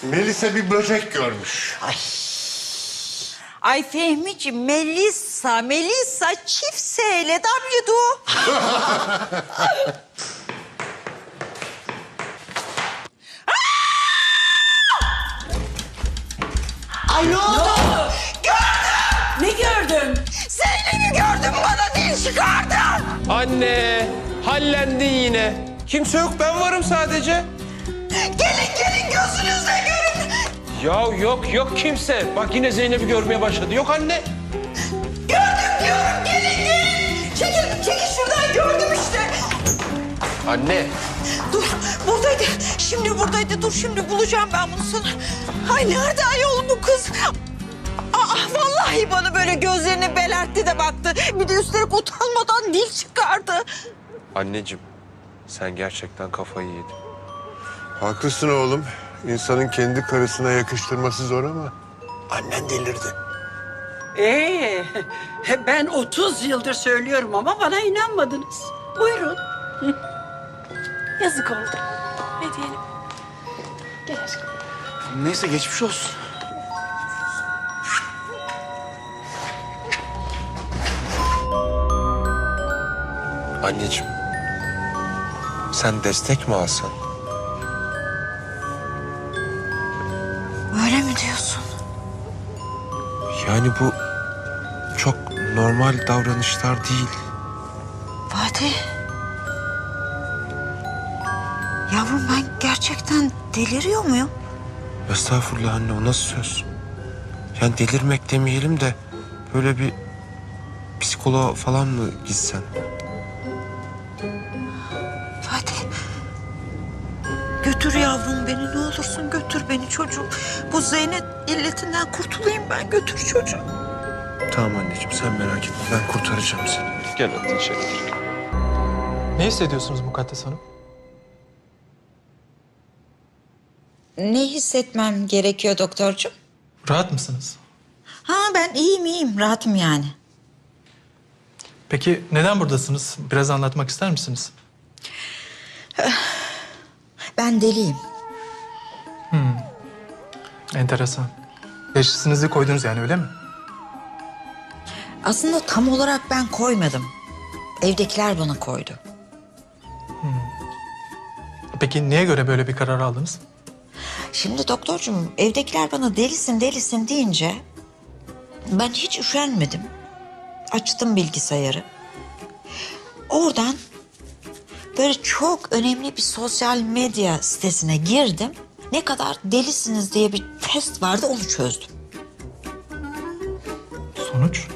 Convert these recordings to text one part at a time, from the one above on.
Melisa bir böcek görmüş. Ay Fehmiciğim, Melisa çift S ile W'du. Ay ne oldu? Ne gördün? Zeynep'i gördüm, bana dil çıkardı. Anne, hallendin yine. Kimse yok, ben varım sadece. Gelin gözünüzle görün. Ya yok kimse. Bak yine Zeynep'i görmeye başladı. Yok anne. Gördüm diyorum, gelin. Çekil şuradan, gördüm işte. Anne. Dur, buradaydı. Şimdi buradaydı. Dur, şimdi bulacağım ben bunu sana. Ay nerede ayol bu kız? Vallahi bana böyle gözlerini belertti de baktı. Bir de üstelik utanmadan dil çıkardı. Anneciğim, sen gerçekten kafayı yedin. Haklısın oğlum. İnsanın kendi karısına yakıştırması zor ama annen delirdi. Ben 30 yıldır söylüyorum ama bana inanmadınız. Buyurun. Yazık oldu. Ne diyelim? Gel aşkım. Neyse geçmiş olsun. Anneciğim, sen destek mi alsan? Öyle mi diyorsun? Yani bu çok normal davranışlar değil. Fatih. Yavrum, ben gerçekten deliriyor muyum? Estağfurullah anne, o nasıl söz? Yani delirmek demeyelim de böyle bir psikoloğa falan mı gitsen? Fatih. Götür yavrum beni, ne olursun götür beni çocuğum. Bu Zeynep illetinden kurtulayım ben, götür çocuğum. Tamam anneciğim, sen merak etme, ben kurtaracağım seni. Gel hadi içeri gir. Ne hissediyorsunuz Mukaddes Hanım? Ne hissetmem gerekiyor doktorcuğum? Rahat mısınız? Ha, ben iyiyim, rahatım yani. Peki neden buradasınız? Biraz anlatmak ister misiniz? Ben deliyim. Enteresan. Teşhisinizi koydunuz yani, öyle mi? Aslında tam olarak ben koymadım. Evdekiler bana koydu. Peki niye göre böyle bir karar aldınız? Şimdi doktorcuğum, evdekiler bana delisin deyince ben hiç üşenmedim. Açtım bilgisayarı. Oradan böyle çok önemli bir sosyal medya sitesine girdim. Ne kadar delisiniz diye bir test vardı, onu çözdüm. Sonuç?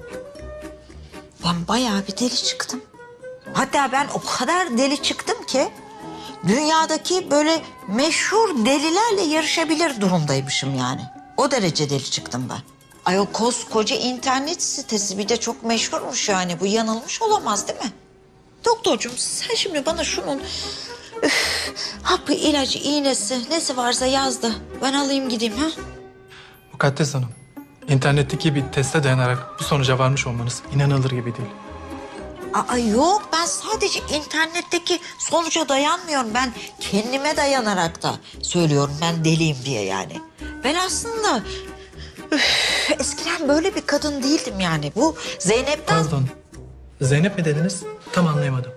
Ben bayağı bir deli çıktım. Hatta ben o kadar deli çıktım ki dünyadaki böyle meşhur delilerle yarışabilir durumdaymışım yani. O derece deli çıktım ben. Ay, o koskoca internet sitesi bir de çok meşhurmuş yani. Bu yanılmış olamaz değil mi? Doktorcuğum, sen şimdi bana şunun hapı, ilacı, iğnesi nesi varsa yazdı. Ben alayım gideyim ha. Mukaddes Hanım, internetteki bir teste dayanarak bu sonuca varmış olmanız inanılır gibi değil. Aa yok, ben sadece internetteki sonuca dayanmıyorum. Ben kendime dayanarak da söylüyorum ben deliyim diye yani. Ben aslında eskiden böyle bir kadın değildim yani. Bu Zeynep'ten... Pardon, Zeynep mi dediniz? Tam anlayamadım.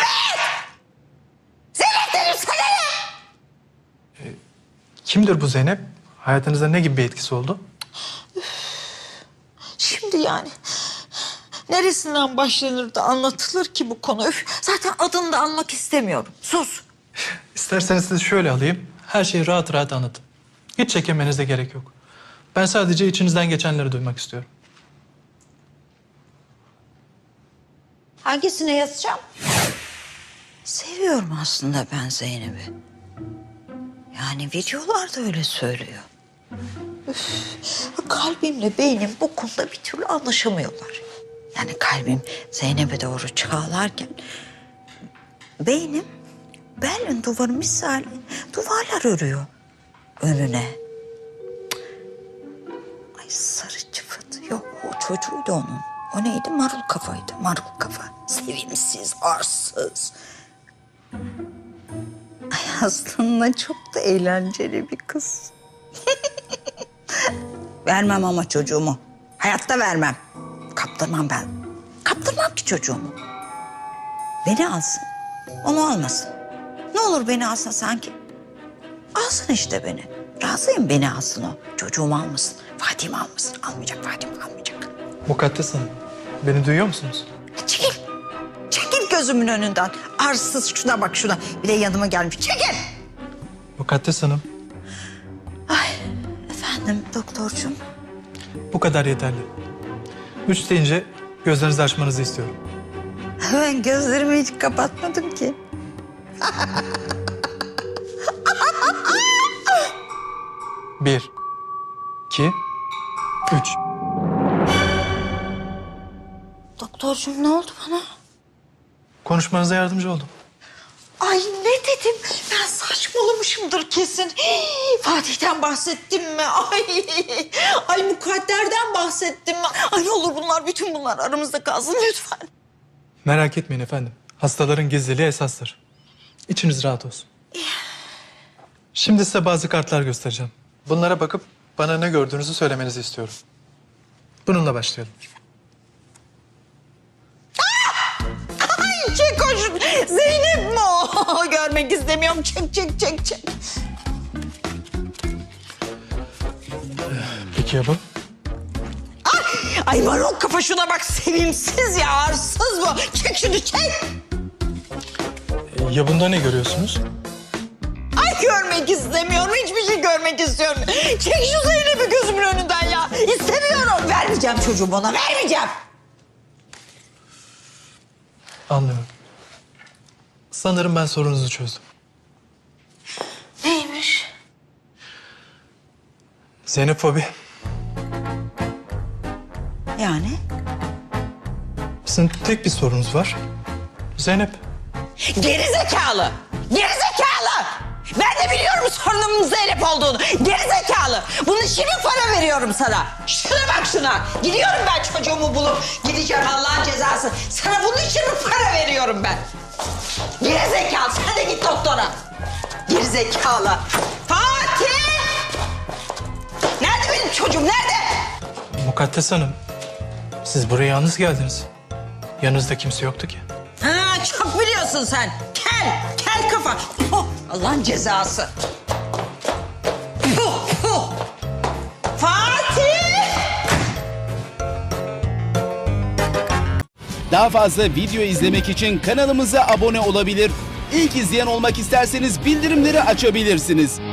Zeynep dedim sana ne? Kimdir bu Zeynep? Hayatınızda ne gibi bir etkisi oldu? Şimdi yani neresinden başlanır da anlatılır ki bu konu? Zaten adını da anmak istemiyorum. Sus. İsterseniz sizi şöyle alayım. Her şeyi rahat rahat anlatın. Hiç çekinmenize gerek yok. Ben sadece içinizden geçenleri duymak istiyorum. Hangisine yazacağım? Seviyorum aslında ben Zeynep'i. Yani videolarda öyle söylüyor. Kalbimle beynim bu konuda bir türlü anlaşamıyorlar. Yani kalbim Zeynep'e doğru çağlarken... beynim Berlin duvarı misali duvarlar örüyor önüne. Ay sarı çıfıt. Yok, o çocuğuydu onun. O neydi? Marul kafaydı. Marul kafa. Sevimsiz, arsız. Ay aslında çok da eğlenceli bir kız. Vermem ama çocuğumu. Hayatta vermem. Kaptırmam ben. Kaptırmam ki çocuğumu. Beni alsın. Onu almasın. Ne olur beni alsın sanki. Alsın işte beni. Razıyım beni alsın o. Çocuğumu almasın. Fatih'imi almasın. Almayacak, Fatih'imi almayacak. Mukaddes Hanım, beni duyuyor musunuz? Çekil. Çekil gözümün önünden. Arsız şuna bak şuna. Bir de yanıma gelmiş. Çekil. Mukaddes Hanım, Efendim doktorcuğum. bu kadar yeterli. 3 deyince gözlerinizi açmanızı istiyorum. Ben gözlerimi hiç kapatmadım ki. Bir, iki, üç. Doktorcuğum ne oldu bana? Konuşmanıza yardımcı oldum. Ay ne dedim? Ben saçmalamışımdır kesin. Hii, Fatih'ten bahsettim mi? Ay mukadderden bahsettim mi? Ay ne olur bütün bunlar aramızda kalsın lütfen. Merak etmeyin efendim. Hastaların gizliliği esastır. İçiniz rahat olsun. Şimdi size bazı kartlar göstereceğim. Bunlara bakıp bana ne gördüğünüzü söylemenizi istiyorum. Bununla başlayalım. Ay çek o Zeynep mi o? Görmek istemiyorum. Çek. Peki ya bu? Ay marul kafa şuna bak sevimsiz ya arsız bu. Çek şunu çek. Ya bunda ne görüyorsunuz? Ay görmek istemiyorum. Hiçbir şey görmek istiyorum. Çek şu Zeynep'i gözümün önünden ya. İstemiyorum. Vermeyeceğim çocuğumu ona. Vermeyeceğim. Anlıyorum. Sanırım ben sorunuzu çözdüm. Neymiş? Xenofobi. Yani? Sizin tek bir sorunuz var. Zeynep. Geri zekalı. Geri zekalı. Ben de biliyorum sorunumun Zeynep olduğunu. Geri zekalı. Bunun için mi para veriyorum sana? Şuna bak şuna. Gidiyorum ben çocuğumu bulup gideceğim Allah'ın cezası. Sana bunun için mi para veriyorum ben? Geri zekalı. Sen de git doktora. Geri zekalı. Fatih! Nerede benim çocuğum? Nerede? Mukaddes Hanım. Siz buraya yalnız geldiniz. Yanınızda kimse yoktu ki. Ha, çok biliyorsun sen. Kel kafa. Oh, Allah'ın cezası. Fatih! Daha fazla video izlemek için kanalımıza abone olabilir. İlk izleyen olmak isterseniz bildirimleri açabilirsiniz.